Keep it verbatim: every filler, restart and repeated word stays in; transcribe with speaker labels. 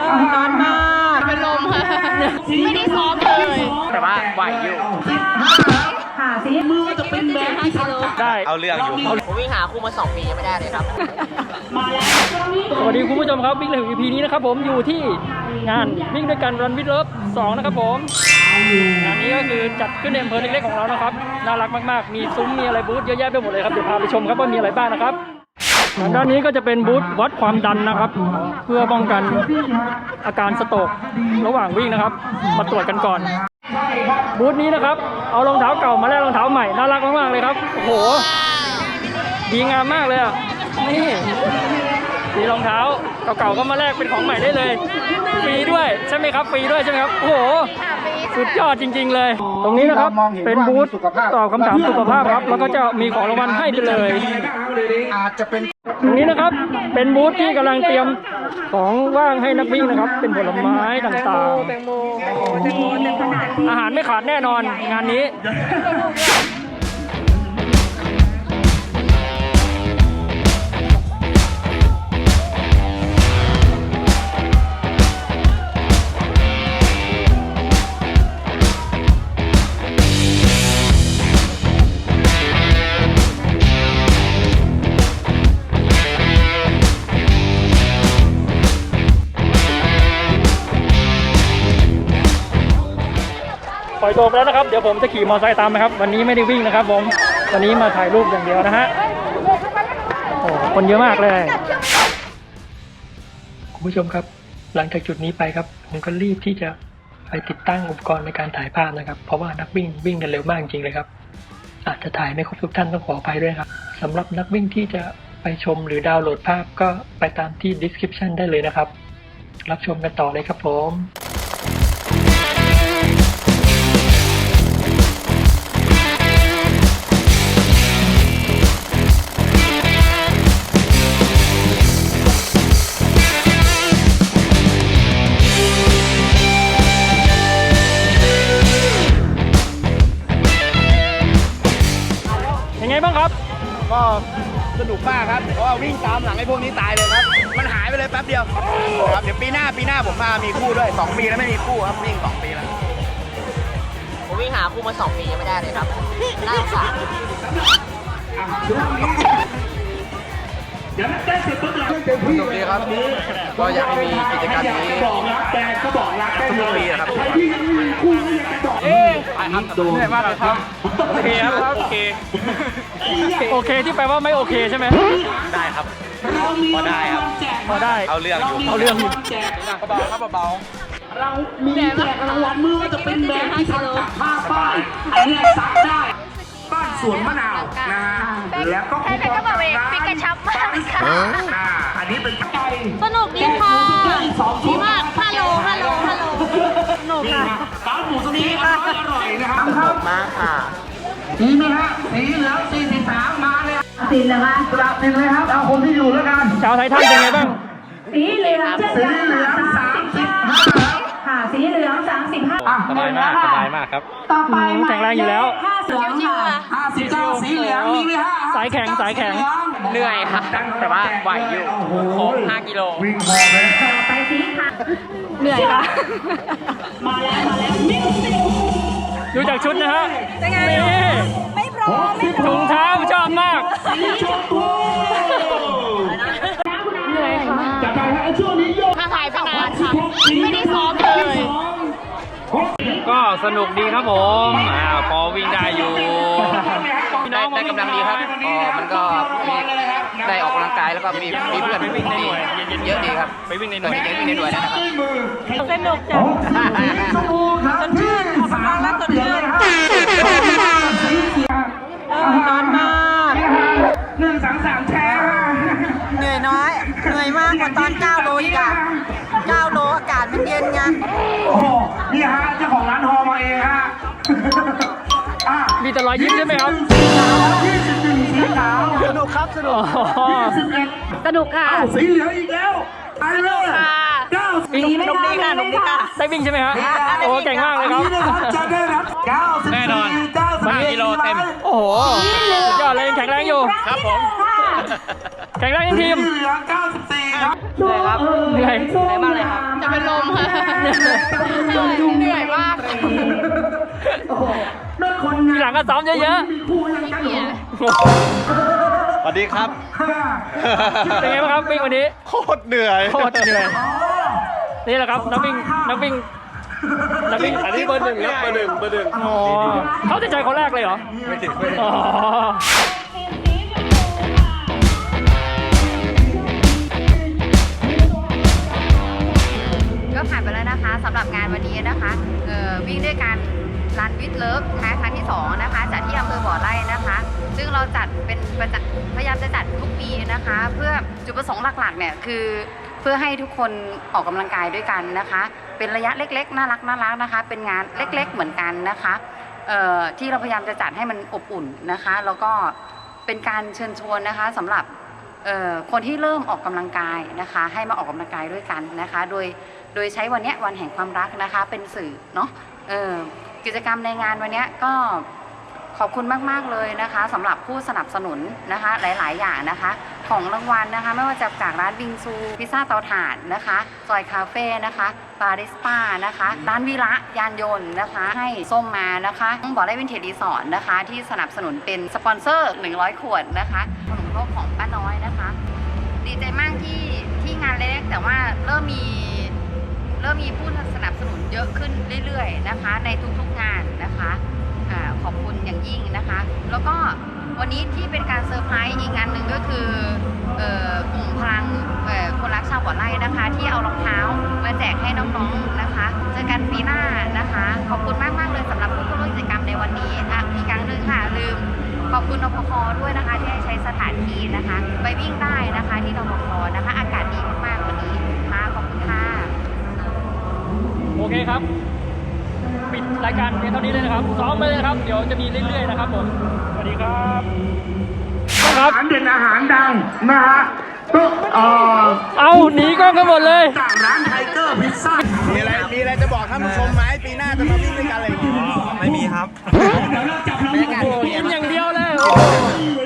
Speaker 1: ร้อนมากเป็นลมค่ะไม่ได้ซ้อมเลยแต่ว่าไหวอยู่
Speaker 2: ค่ะสิมือจะเป็นแบบที่ทำ
Speaker 3: ได้เอาเรื่องอยู่
Speaker 1: ผมวิ่งหาคู่มาสองปียังไม่ได้เลยครับ
Speaker 3: สวัสดีคุณผู้ชมครับวิ่งเลย อี พี นี้นะครับผมอยู่ที่งานวิ่งด้วยกันรันวิดเลิฟสองนะครับผมงานนี้ก็คือจัดขึ้นในอำเภอเล็กๆของเรานะครับน่ารักมากๆมีซุ้มมีอะไรบูธเยอะแยะไปหมดเลยครับเดี๋ยวพาไปชมครับว่ามีอะไรบ้างนะครับด้านนี้ก็จะเป็นบูธวัดความดันนะครับเพื่อป้องกันอาการสโตรกระหว่างวิ่งนะครับมาตรวจกันก่อนบูธนี้นะครับเอารองเท้าเก่ามาแลกรองเท้าใหม่น่ารักมากๆเลยครับโอ้โหดีงามมากเลยอ่ะนี่มีรองเท้าเก่าๆก็มาแลกเป็นของใหม่ได้เลยฟรีด้วยใช่ไหมครับฟรีด้วยใช่ไหมครับโอ้โหสุดยอดจริงๆเลยตรงนี้นะครับเป็นบูธตอบคำถามสุขภาพครับแล้วก็จะมีของรางวัลให้ไปเลย
Speaker 2: อาจจะเป็น
Speaker 3: ตรงนี้นะครับเป็นบูธที่กำลังเตรียมของว่างให้นักวิ่งนะครับเป็นผลไม้ต่างๆอาหารไม่ขาดแน่นอนงานนี้ปล่อยตัวไปแล้วนะครับเดี๋ยวผมจะขี่มอเตอร์ไซค์ตามนะครับวันนี้ไม่ได้วิ่งนะครับผมวันนี้มาถ่ายรูปอย่างเดียวนะฮะโอ้คนเยอะมากเลยคุณผู้ชมครับหลังจากจุดนี้ไปครับผมก็รีบที่จะไปติดตั้งอุปกรณ์ในการถ่ายภาพนะครับเพราะว่านักวิ่งวิ่งกันเร็วมากจริงเลยครับอาจจะถ่ายไม่ครบทุกท่านต้องขออภัยด้วยครับสำหรับนักวิ่งที่จะไปชมหรือดาวน์โหลดภาพก็ไปตามที่ description ได้เลยนะครับรับชมกันต่อเลยครับผมบ้างครับ
Speaker 4: ก็สนุกมากครับเพราะว่าวิ่งตามหลังไอ้พวกนี้ตายเลยครับมันหายไปเลยแป๊บเดียวครับเดี๋ยวปีหน้าปีหน้าผมมามีคู่ด้วยสองปีแล้วไม่มีคู่ครับวิ่งสองปีแล้ว
Speaker 1: ผมวิ่งหาคู่มาสองปียังไม่ได้เลยครับน่าสงสาร
Speaker 4: สนุกดีครับก็อยากให้มีกิจกรรมนี้ทุกปีนะครับ
Speaker 3: เอ๊ะเหนื่อยมากเลยครับโอเคครับโอเคโอเคที่แปลว่าไม่โอเคใช่ไหม
Speaker 4: ได้ครับพอได้ครับ
Speaker 3: พอได้
Speaker 4: เอาเรื่องอยู่
Speaker 3: เอาเรื่องอยู่
Speaker 4: เบาครับเบา
Speaker 2: เรามีแจกรางวัลมือว่าจะเป็นแบบที่ทำจากผ้าป้ายอันนี้ซักได้บ้านสวนมะนาวนะแล้วก็
Speaker 1: ใครๆก็บอกเองปิกระชับมากค่ะ
Speaker 2: อันนี้เป็นไก่
Speaker 1: สนุกดีค่ะดีมากฮัลโหลฮัลโหลฮัลโหลสนุกค่ะ
Speaker 2: ร้านหมูตรงนี้อร่อยนะครับ
Speaker 1: สนุกมากค่ะ
Speaker 2: ดีไหมฮะสีเหลืองสี่สิบสามมาเลยสีเหลืองกลับเป็นเลยครับเอาคนที่อยู่แล้วกัน
Speaker 3: ชาวไทยท่านเป็นไงบ้าง
Speaker 2: สีเหลืองสีเหลืองสามสิบห้าค่ะสีเหลืองสามสิบห้า
Speaker 3: สบายมากสบายมากครับ
Speaker 2: ต่อไป
Speaker 3: แข็งแรงอยู่แล้ว
Speaker 2: ห้าสิบค่ะห้าสิบเก้าสีเหลืองมีไหมฮะ
Speaker 3: สายแข็งสายแข็ง
Speaker 1: เหนื่อยค่ะแต่ว่าไหวอยู่โค้งห้ากิโล
Speaker 2: วิ่งพอเลย
Speaker 1: ไปสีค่ะเหนื่อยค่ะ
Speaker 2: มาแล้วมาแล้ว
Speaker 3: ดูจากชุดนะฮะ
Speaker 1: นี่ไม่พร้อม
Speaker 3: ถุงเท้าชอบมาก
Speaker 1: เหนื่อยค่ะถ้าถ่ายไปนานค่ะไม่ได้ซ้อมเลย
Speaker 3: ก็สนุกดีครับผมอ่าพอวิ่งได้อยู่
Speaker 4: ได้ได้กำลังดีครับอ๋อมันก็มีได้ออกกำลังกายแล้วก็มีมีเพื่อน
Speaker 3: ไปวิ่งในหน่วย
Speaker 4: เยอะดีครับ
Speaker 3: ไปวิ่งในหน่วย
Speaker 4: เวิ่งในหน่วยนะครับ
Speaker 1: สนุกจังสดชื่นออกกำลังแล้วสดชื่นร้อนมาก
Speaker 2: หนึ่งสามสามแชร์
Speaker 1: เหนื่อยน้อยเหนื่อยมากกว่าตอนเก้าโลอีกอ่ะเก้าโลอากาศมันเย็นไง
Speaker 2: โอ้โหนี่ฮะเจ้าของร้านฮอมาเองฮะ
Speaker 3: มีแต่รอยยิ้มใช่ไหมครับ
Speaker 2: สนุกครับสนุก
Speaker 1: สนุกค่ะ
Speaker 2: สีเหลืองอีกแล้วไปเลย
Speaker 1: เก้าสีไม่ได้ค่ะนกดีค่ะ
Speaker 3: ได้วิ่งใช่ไหมครับโอ้เก่งมากเลยครับ
Speaker 2: จะได้รับเก้าสิบสี่เก้าสิบห้า
Speaker 3: กิโลเต็มโอ้โหยอดเลยแข็งแรงอยู่
Speaker 4: ครับผม
Speaker 3: แข่งแรกทีม
Speaker 2: เหลือเก้าสิบสี่ครับ
Speaker 1: เหนื่อยครับ
Speaker 3: เหนื่อย
Speaker 1: เหนื่อยมากเลยครับจะเป็นเหนื่อยมาก
Speaker 2: โอ้โหนั่นคน
Speaker 3: ทีหลังก็ซ้อมเยอะ
Speaker 2: มีคู่ยังกันเหรอ
Speaker 3: ๆ
Speaker 4: สวัสดีครับ
Speaker 3: เป็นไงบ้างครับวิ่งวันนี้
Speaker 4: โคตรเหนื่อย
Speaker 3: โคตรเหนื่อยนี่แหละครับนักวิ่งนักวิ่งนักวิ่ง
Speaker 4: อันนี้เบอร์หนึ่งครับเบอร์หนึ่งเบอร์หนึ่ง
Speaker 3: อ๋อเขาจะใจคนแรกเลยเหรอ
Speaker 4: ไม่ถึงไม่ถึง
Speaker 3: อ๋อ
Speaker 1: ก็ผ่านไปแล้วนะคะสำหรับงานวันนี้นะคะเอ่อวิ่งด้วยกันรันวิดเลิฟนะคะครั้งที่สองนะคะจัดที่อำเภอบ่อไร่นะคะ ซึ่งเราจัดเป็นประจำพยายามจะจัดทุกปีนะคะ เพื่อจุดประสงค์หลักๆเนี่ยคือเพื่อให้ทุกคนออกกำลังกายด้วยกันนะคะ เป็นระยะเล็กๆน่ารักน่ารักนะคะ เป็นงานเล็กๆเหมือนกันนะคะเอ่อที่เราพยายามจะจัดให้มันอบอุ่นนะคะ แล้วก็เป็นการเชิญชวนนะคะสำหรับเอ่อคนที่เริ่มออกกำลังกายนะคะ ให้มาออกกำลังกายด้วยกันนะคะ โดยโดยใช้วันเนี้ยวันแห่งความรักนะคะเป็นสื่อเนาะเออกิจกรรมในงานวันเนี้ยก็ขอบคุณมากๆเลยนะคะสำหรับผู้สนับสนุนนะคะหลายๆอย่างนะคะของรางวัลนะคะไม่ว่าจะจากร้านบิงซูพิซซ่าเตาถ่านนะคะซอยคาเฟ่นะคะบาริสป้านะคะร้านวิระยานยนต์นะคะให้ส้มมานะคะต้องบอกได้วินเทจรีสอร์ทนะคะที่สนับสนุนเป็นสปอนเซอร์หนึ่งร้อยขวดนะคะขนมครกของป้าน้อยนะคะดีใจมากที่ที่งานเล็กแต่ว่าเริ่มมีเริ่มมีผู้สนับสนุนเยอะขึ้นเรื่อยๆนะคะในทุกๆงานนะคะอ่าขอบคุณอย่างยิ่งนะคะ แล้วก็วันนี้ที่เป็นการเซอร์ไพรส์อีกงานหนึ่งก็คือเอ่อกลุ่มพลังเอ่อคนรักชาวบ่อไร่นะคะ ที่เอารองเท้ามาแจกให้น้องๆนะคะเจอกันปีหน้านะคะขอบคุณมากๆเลยสำหรับผู้เข้าร่วมกิจกรรมในวันนี้อ่ะอีกครั้งหนึ่งค่ะลืมขอบคุณนพคด้วยนะคะที่ให้ใช้สถานที่นะคะไปวิ่งได้นะคะที่นพคนะคะอากาศดีมากๆวันนี้ค่ะขอบคุณค่ะ
Speaker 3: โอเคครับ ปิดรายการเพียงเท่านี้เลยนะครับซ้อมไปเลยนะครับ เดี๋ยวจะมีเรื่อยๆนะครับผม สวัสดีครับครั
Speaker 2: อา
Speaker 3: บ
Speaker 2: หารเด่นอาหารดังนะฮะก็เอ่อ
Speaker 3: เอาหนีกล้องกันหมดเลย
Speaker 2: จากร้านไทเกอร์พิซซ่า
Speaker 4: มีอะไรมีอะไรจะบอกท่านผู้ชมไหมปีหน้าจะมาวิ่งด้วยกันอะไรอย่างเงี้ย
Speaker 5: ไม่มีครับ
Speaker 3: กินอย่างเดียวเลย